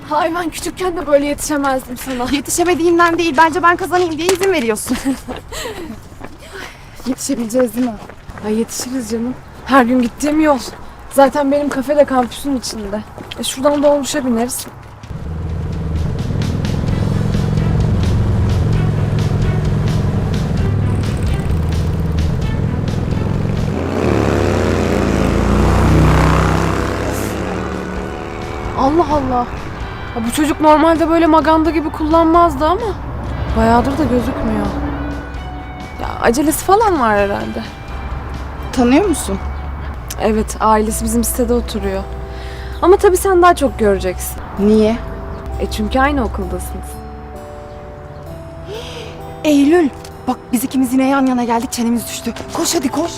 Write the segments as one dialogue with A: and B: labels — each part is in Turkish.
A: Ay ben küçükken de böyle yetişemezdim sana.
B: Yetişemediğimden değil, bence ben kazanayım diye izin veriyorsun. Yetişebileceğiz değil mi?
A: Ay yetişiriz canım. Her gün gittiğim yol. Zaten benim kafe de kampüsün içinde. Şuradan dolmuşa bineriz. Allah Allah. Ya bu çocuk normalde böyle maganda gibi kullanmazdı ama bayağıdır da gözükmüyor. Ya acelesi falan var herhalde.
B: Tanıyor musun?
A: Evet, ailesi bizim sitede oturuyor. Ama tabii sen daha çok göreceksin.
B: Niye?
A: Çünkü aynı okuldasınız.
B: Eylül. Bak biz ikimiz yine yan yana geldik, çenemiz düştü. Koş hadi koş.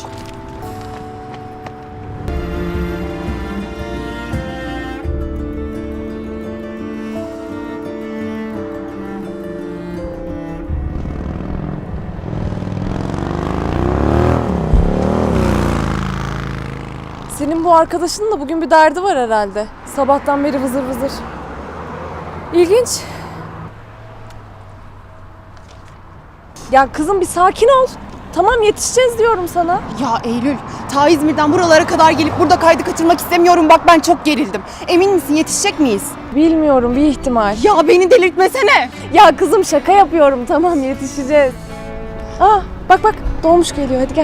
A: Senin bu arkadaşının da bugün bir derdi var herhalde. Sabahtan beri vızır vızır. İlginç. Ya kızım bir sakin ol. Tamam yetişeceğiz diyorum sana.
B: Ya Eylül, ta İzmir'den buralara kadar gelip burada kaydı kaçırmak istemiyorum. Bak ben çok gerildim. Emin misin, yetişecek miyiz?
A: Bilmiyorum, bir ihtimal.
B: Ya beni delirtmesene.
A: Ya kızım şaka yapıyorum, tamam yetişeceğiz. Bak bak dolmuş geliyor, hadi gel.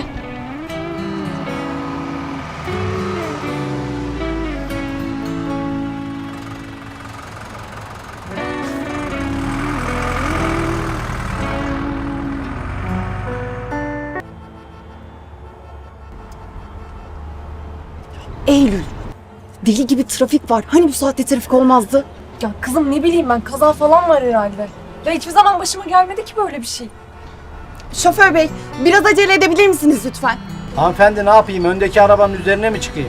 B: Eylül, deli gibi trafik var. Hani bu saatte trafik olmazdı?
A: Ya kızım ne bileyim ben, kaza falan var herhalde. Ya hiçbir zaman başıma gelmedi ki böyle bir şey.
B: Şoför bey, biraz acele edebilir misiniz lütfen?
C: Hanımefendi ne yapayım? Öndeki arabanın üzerine mi çıkayım?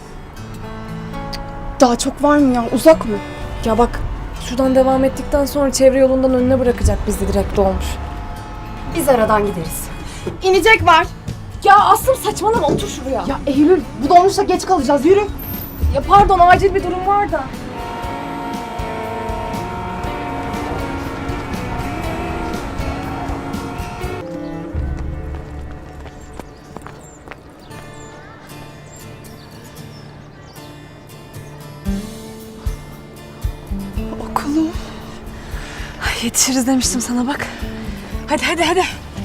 B: Daha çok var mı ya? Uzak mı?
A: Ya bak, şuradan devam ettikten sonra çevre yolundan önüne bırakacak bizi, direkt dolmuş.
B: Biz aradan gideriz. İnecek var.
A: Ya Aslım saçmalama, otur şuraya.
B: Ya Eylül, bu dolmuşla geç kalacağız. Yürü.
A: Ya pardon, acil bir durum var da.
B: Okulum.
A: Ay, yetişiriz demiştim sana bak. Hadi hadi hadi.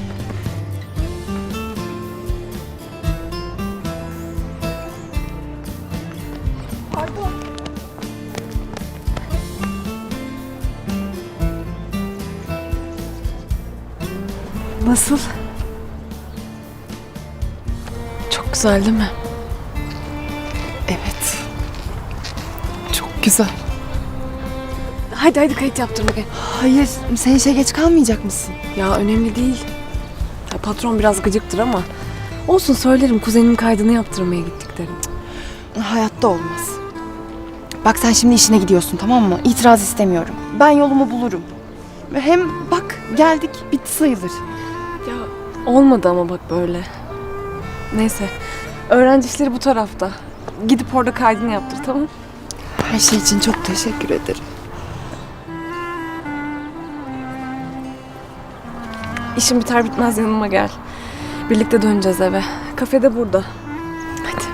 B: Pardon.
A: Nasıl? Çok güzel değil mi?
B: Evet. Çok güzel.
A: Hadi hadi kayıt yaptırma gel.
B: Hayır, sen işe geç kalmayacak mısın?
A: Ya önemli değil. Ya, patron biraz gıcıktır ama olsun, söylerim kuzenimin kaydını yaptırmaya gittik derim.
B: Hayatta olmaz. Bak sen şimdi işine gidiyorsun, tamam mı? İtiraz istemiyorum. Ben yolumu bulurum. Hem bak geldik, bitti sayılır.
A: Ya olmadı ama bak böyle. Neyse, öğrenci işleri bu tarafta. Gidip orada kaydını yaptır, tamam?
B: Her şey için çok teşekkür ederim.
A: İşim biter bitmez yanıma gel. Birlikte döneceğiz eve. Kafede burada. Hadi.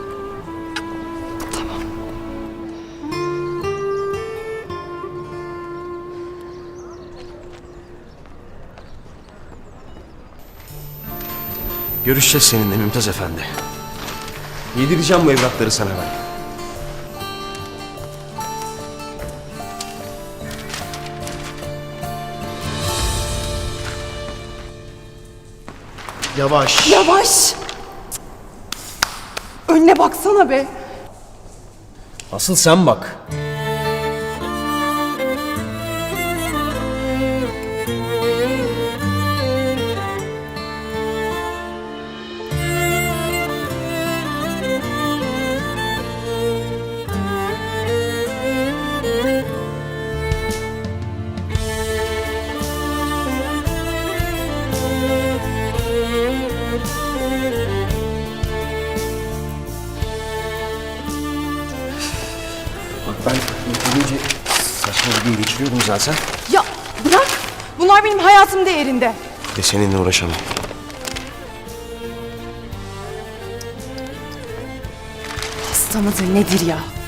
D: Görüşeceğiz seninle Mümtaz Efendi. Yedireceğim bu evrakları sana ben. Yavaş.
B: Yavaş! Önüne baksana be.
D: Asıl sen bak. Bak ben Saçma bir gün geçiriyordum zaten.
B: Ya bırak. Bunlar benim hayatım değerinde.
D: Ve seninle uğraşamam.
B: Hasta mıdır nedir ya?